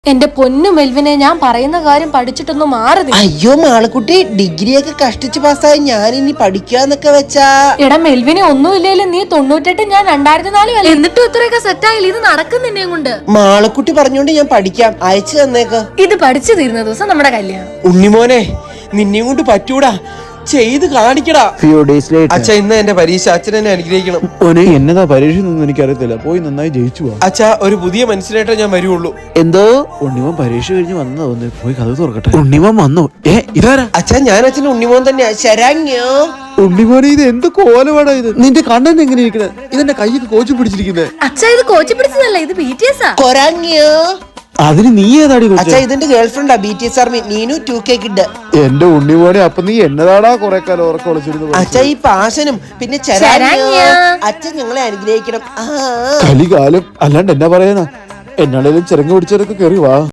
എന്റെ പൊന്നു മെൽവിനെ, ഞാൻ പറയുന്ന കാര്യം പഠിച്ചിട്ടൊന്നും മാറുന്നില്ല. അയ്യോ മാളക്കുട്ടി, ഡിഗ്രിയൊക്കെ കഷ്ടിച്ച് പാസ്സായി ഞാൻ ഇനി പഠിക്കാന്നൊക്കെ വെച്ചാ. എടാ മെൽവിനെ, ഒന്നുമില്ലേലും നീ 98 ഞാൻ 2004 എന്നിട്ടും ഇത്രയൊക്കെ സെറ്റായില്ല. ഇത് നടക്കുന്നിന്നെ കൊണ്ട്. മാളക്കുട്ടി പറഞ്ഞോണ്ട് ഞാൻ പഠിക്കാം, അയച്ചു തന്നേക്ക്. ഇത് പഠിച്ചു തീരുന്ന ദിവസം നമ്മുടെ കല്യാണം. ഉണ്ണിമോനെ, നിന്നെ കൊണ്ട് പറ്റൂടാ, ചെയ്ത് കാണിക്കടാ. അച്ഛാ, ഇന്ന് എന്റെ പരീക്ഷ, അച്ഛൻ എന്നെ അനുഗ്രഹിക്കണം. എന്നതാ പരീക്ഷ ഒന്നും എനിക്കറിയത്തില്ല, പോയി നന്നായി ജയിച്ചു പോവാ. അച്ഛാ, ഒരു പുതിയ മനുഷ്യനായിട്ടേ ഞാൻ വരുള്ളൂ. എന്തോ ഉണ്ണിമോൻ പരീക്ഷ കഴിഞ്ഞ് വന്നതാ, ഒന്ന് പോയി കഥ തുറക്കട്ടെ. ഉണ്ണിമോൻ വന്നു. ഇതാരാ? അച്ഛാ, ഞാൻ അച്ഛൻ ഉണ്ണിമോൻ തന്നെയാ. ശരാങ്യോ ഉണ്ണിമോനെ, ഇത് എന്ത് കോലമാടാ ഇത്? നിന്റെ കണ്ണൻ എങ്ങനെ ഇരിക്കണേ? ഇതെന്റെ കൈയൊക്കെ കോച്ചു പിടിച്ചിരിക്കുന്നേ. അച്ഛാ, ഇത് കോച്ചി പിടിച്ചതല്ല, ഇത് BTS ആ. കൊരാങ്യോ. അതിന് നീ ഏതാടി? അച്ഛാ, ഇതിന്റെ ഗേൾഫ്രണ്ടാ, BTS army Neenu 2K kid. എന്റെ ഉണ്ണിമോനെ, അപ്പൊ നീ എന്നതാടാ കൊറേ കാലം ഉറക്കം ഒളിച്ചിരുന്നു? അച്ഛാ, ഈ പാശനും പിന്നെ അച്ഛൻ ഞങ്ങളെ അനുഗ്രഹിക്കണം. കലികാലം അല്ലാണ്ട് എന്നാ പറയാനാ? എന്നാണേലും ചെറുങ്ങ പിടിച്ചവരൊക്കെ കയറി വാ.